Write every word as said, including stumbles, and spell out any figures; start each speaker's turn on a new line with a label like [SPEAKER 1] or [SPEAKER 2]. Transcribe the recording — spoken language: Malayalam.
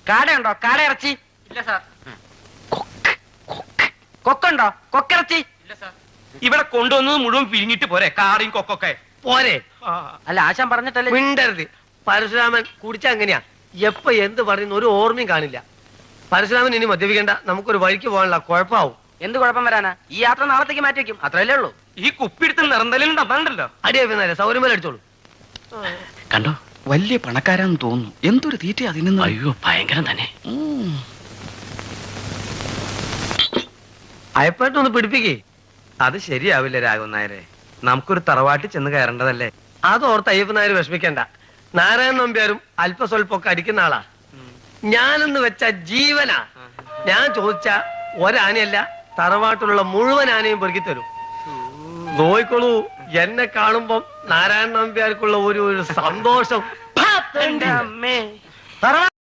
[SPEAKER 1] കാടയുണ്ടോ? കാട ഇറച്ചി
[SPEAKER 2] ഇല്ല സാർ.
[SPEAKER 1] കൊക്കുണ്ടോ? കൊക്കിറച്ചി
[SPEAKER 2] ഇല്ല സാർ.
[SPEAKER 3] ഇവിടെ കൊണ്ടുവന്നത് മുഴുവൻ പിരിഞ്ഞിട്ട് പോരെ കാറിയും കൊക്കൊക്കെ
[SPEAKER 4] പോരെ.
[SPEAKER 1] അല്ല ആശാൻ പറഞ്ഞിട്ടല്ലേ.
[SPEAKER 4] മിണ്ടരുത്. പരശുരാമൻ കുടിച്ച അങ്ങനെയാ, എപ്പ എന്ത് പറയുന്ന ഒരു ഓർമ്മയും കാണില്ല. പരശുരാമൻ ഇനി മദ്യപിക്കണ്ട, നമുക്കൊരു വഴിക്ക് പോകാനുള്ള കുഴപ്പമാവും.
[SPEAKER 1] എന്ത് കുഴപ്പം വരാനാ? ഈ യാത്ര നാളത്തേക്ക് മാറ്റി വെക്കും, അത്രയല്ലേ ഉള്ളൂ.
[SPEAKER 3] ഈ കുപ്പിടുത്ത് നിറന്തലും അതാണ്ടല്ലോ.
[SPEAKER 4] അടിയാ സൗകര്യം പോലെ അടിച്ചോളൂ.
[SPEAKER 5] കണ്ടോ, വലിയ പണക്കാരാന്ന് തോന്നുന്നു. എന്തൊരു തീറ്റ അതിന്.
[SPEAKER 2] അയ്യോ ഭയങ്കരം തന്നെ.
[SPEAKER 4] അയപ്പായിട്ടൊന്ന് പിടിപ്പിക്കേ.
[SPEAKER 3] അത് ശരിയാവില്ല രാഘവൻ നായരെ. നമുക്കൊരു തറവാട്ടിൽ ചെന്ന് കയറേണ്ടതല്ലേ.
[SPEAKER 4] അതോർത്ത് അയ്യപ്പൻ നായർ വിഷമിക്കണ്ട. നാരായണൻ നമ്പ്യാരും അല്പസ്വല്പൊക്കെ അടിക്കുന്ന ആളാ. ഞാനെന്ന് വെച്ച ജീവനാ. ഞാൻ ചോദിച്ച ഒരാനയല്ല, തറവാട്ടിലുള്ള മുഴുവൻ ആനയും പെറുക്കി തരും. നോയിക്കോളൂ, എന്നെ കാണുമ്പം നാരായണൻ നമ്പ്യാർക്കുള്ള ഒരു ഒരു സന്തോഷം.
[SPEAKER 1] എന്റെ അമ്മേ, തറവാ